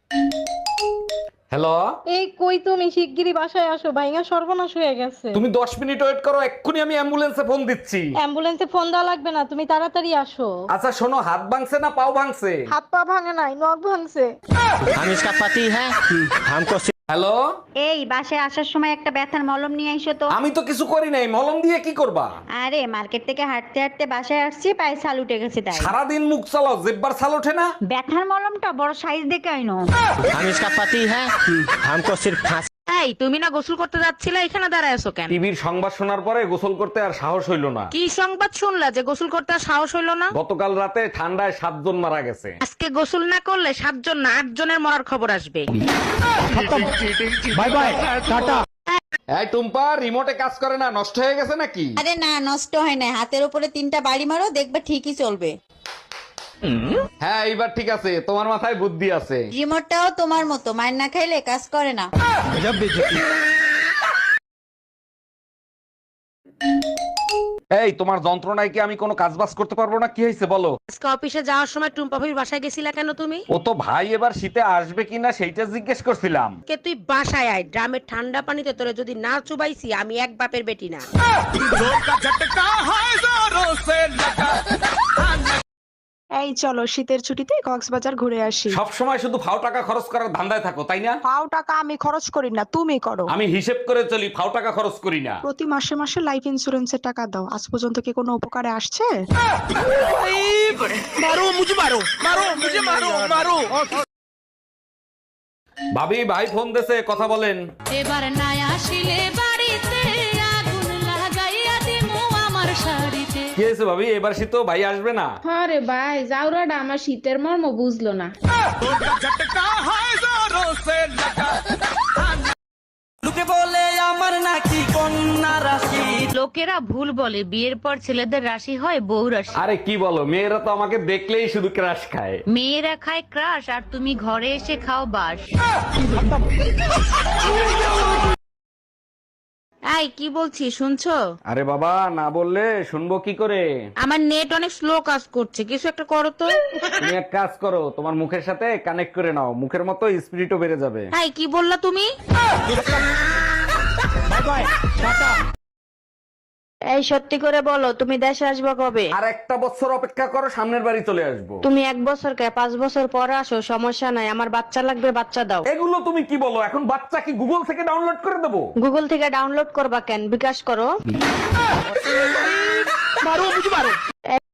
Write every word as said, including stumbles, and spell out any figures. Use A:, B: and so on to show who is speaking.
A: Hello,
B: এই কই তুমি শিগগিরই বাসায় আসো, ভাইঙা সর্বনাশ হয়ে গেছে।
A: তুমি দশ মিনিট ওয়েট করো, এক্ষুনি আমি অ্যাম্বুলেন্সে ফোন দিচ্ছি।
B: অ্যাম্বুলেন্সে ফোন দেওয়া লাগবে না, তুমি তাড়াতাড়ি আসো।
A: আচ্ছা শোনো, হাত ভাঙছে না পাও ভাঙছে?
B: হাত পা ভাঙে নাই, নখ ভাঙছে।
C: हम इसका पति है हमको
A: হ্যালো,
D: এই বাসায় আসার সময় একটা ব্যথার মলম নিয়ে আইসো তো।
A: আমি তো কিছু করি নাই, মলম দিয়ে কি করবা?
D: আরে মার্কেট থেকে হাঁটতে হাঁটতে বাসায় আসছি, পায়ে ছাল উঠে গেছে তাই।
A: সারাদিন মুখ চালাও, জিব্বার ছাল ওঠে না?
D: ব্যথার মলমটা বড় সাইজ দেখে আইনো।
C: हम इसका पति है हमको सिर्फ फांसी
E: এই তুমি না গোসল করতে যাচ্ছিলে, এখানে দাঁড়ায় আছো কেন?
A: টিভির সংবাদ শোনার পরে গোসল করতে আর সাহস হইল না।
E: কি সংবাদ শুনলা যে গোসল করতে আর সাহস হইলো না?
A: গতকাল রাতে ঠান্ডায় সাতজন মারা গেছে।
E: আজকে গোসল না করলে সাতজন না আট জনের মরার খবর আসবে।
C: बाय बाय टाटा
A: এই টুম্পা, রিমোটে কাজ করে না, নষ্ট হয়ে গেছে নাকি?
F: আরে না, নষ্ট হয় না। হাতের উপরে তিনটা বাড়ি মারো, দেখবে ঠিকই চলবে।
A: হ্যাঁ এইবার ঠিক আছে, তোমার মাথায় বুদ্ধি আছে।
F: রিমোটটাও তোমার মতো, মার না খাইলে কাজ করে না।
A: এই তোমার যন্ত্রণায় কি আমি কোনো কাজ বাজ করতে পারবো না? কি হয়েছে বলো?
E: আজকে অফিসে যাওয়ার সময় টুম্পা ভাবির বাসায় গেছিলা কেন তুমি?
A: ও তো ভাই এবার শীতে আসবে কিনা সেইটা জিজ্ঞেস করছিলাম।
E: কে তুই বাসায় আয়, ড্রামের ঠান্ডা পানিতে তোরে যদি না চুবাইছি আমি এক বাপের বেটি না।
G: এই চলো শীতের ছুটিতে কক্সবাজার ঘুরে আসি।
A: সব সময় শুধু ফাও টাকা খরচ করার ধান্দায় থাকো, তাই না?
G: পাও টাকা আমি খরচ করি না, তুমি করো।
A: আমি হিসেব করে চলি, ফাও টাকা খরচ করি না।
G: প্রতি মাসে মাসে লাইফ ইন্সুরেন্সের টাকা দাও, আজ পর্যন্ত কি কোনো উপকারে আসছে?
A: ভাবি, ভাই ফোন দেছে, কথা বলেন।
H: এবার নাই আসিলে বাড়িতে আগুন লাগাইয়া দিমু আমার শাড়িতে।
A: কি হয়েছে ভাবি, এবার শীত ভাই আসবে না?
B: আরে ভাই, জাউরাটা আমার শীতের মর্ম বুঝলো না।
E: লোকেরা ভুল বলে বিয়ের পর ছেলেদের রাশি হয় বউ রাশি।
A: আরে কি বলো, মেয়েরা তো আমাকে দেখলেই শুধু ক্রাশ খায়।
E: মেয়েরা খায় ক্রাশ আর তুমি ঘরে এসে খাও বাস। এই কি বলছি শুনছো?
A: আরে বাবা, না বললে শুনবো কি করে?
E: আমার নেট অনেক স্লো কাজ করছে, কিছু একটা করো তো।
A: তুমি এক কাজ করো, তোমার মুখের সাথে কানেক্ট করে নাও, মুখের মতো স্পিরিটও বেড়ে যাবে।
E: এই কি বললা তুমি?
D: এই সত্যি করে বলো, তুমি দেশে আসবে কবে?
A: আর একটা বছর অপেক্ষা করো, সামনের বাড়ি চলে আসবো।
D: তুমি এক বছর কে পাঁচ বছর পরে আসো, সমস্যা নাই, আমার বাচ্চা লাগবে, বাচ্চা দাও।
A: এগুলো তুমি কি বলো? এখন বাচ্চা কি গুগল থেকে ডাউনলোড করে দেবো?
D: গুগল থেকে ডাউনলোড করবা কেন, বিকাশ করো।